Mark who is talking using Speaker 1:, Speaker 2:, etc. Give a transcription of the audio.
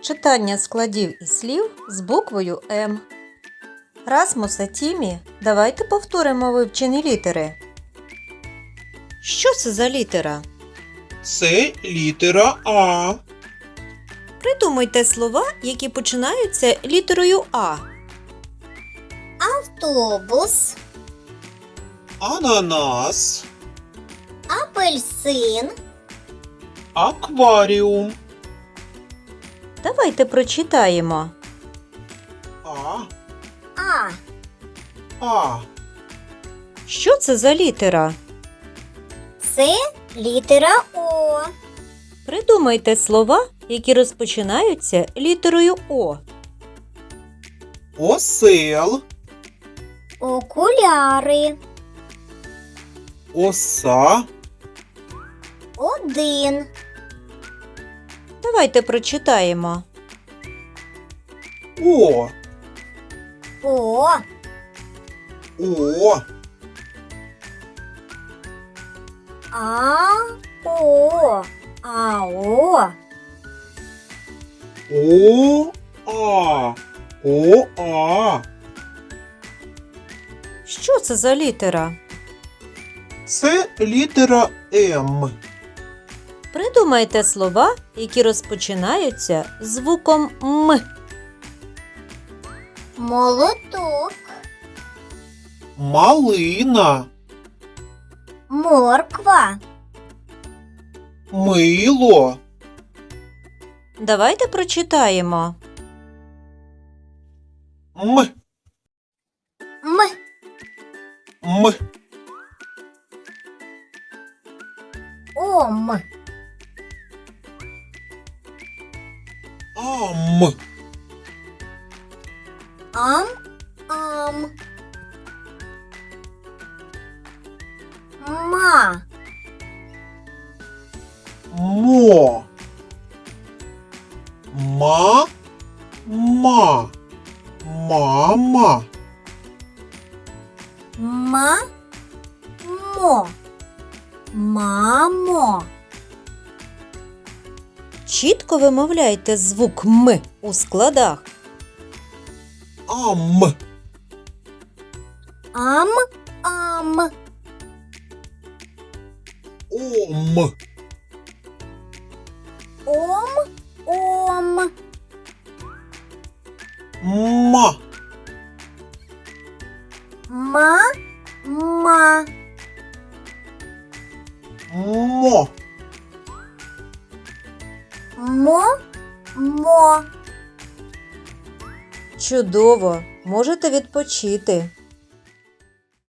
Speaker 1: Читання складів і слів з буквою М. Расмус і Тімі, давайте повторимо вивчені літери. Що це за літера?
Speaker 2: Це літера А.
Speaker 1: Придумайте слова, які починаються літерою А.
Speaker 3: Автобус,
Speaker 2: Ананас.
Speaker 3: апельсин,
Speaker 2: Акваріум.
Speaker 1: Давайте прочитаємо.
Speaker 2: А.
Speaker 3: А.
Speaker 1: Що це за літера?
Speaker 3: Це літера О.
Speaker 1: Придумайте слова, які розпочинаються літерою О.
Speaker 2: Осел.
Speaker 3: Окуляри,
Speaker 2: Оса.
Speaker 3: один,
Speaker 1: Давайте прочитаємо.
Speaker 2: О.
Speaker 3: О,
Speaker 2: О.
Speaker 3: А, О, АО,
Speaker 2: О. А. О. А.
Speaker 1: Що це за літера?
Speaker 2: Це літера М.
Speaker 1: Придумайте слова, які розпочинаються звуком М.
Speaker 3: молоток,
Speaker 2: Малина.
Speaker 3: морква,
Speaker 2: Мило.
Speaker 1: Давайте прочитаємо.
Speaker 2: М.
Speaker 3: М,
Speaker 2: М.
Speaker 3: ом,
Speaker 2: Ам.
Speaker 3: ам, ам, ма,
Speaker 2: Мо. Ма. Ма. Мама.
Speaker 3: ма, мо, мамо.
Speaker 1: Чітко вимовляйте звук М у складах.
Speaker 2: Ам.
Speaker 3: Ам, ам,
Speaker 2: Ом.
Speaker 3: ом, ом,
Speaker 2: Ма.
Speaker 3: ма, ма,
Speaker 2: Мо.
Speaker 3: мо, мо.
Speaker 1: Чудово! Можете відпочити.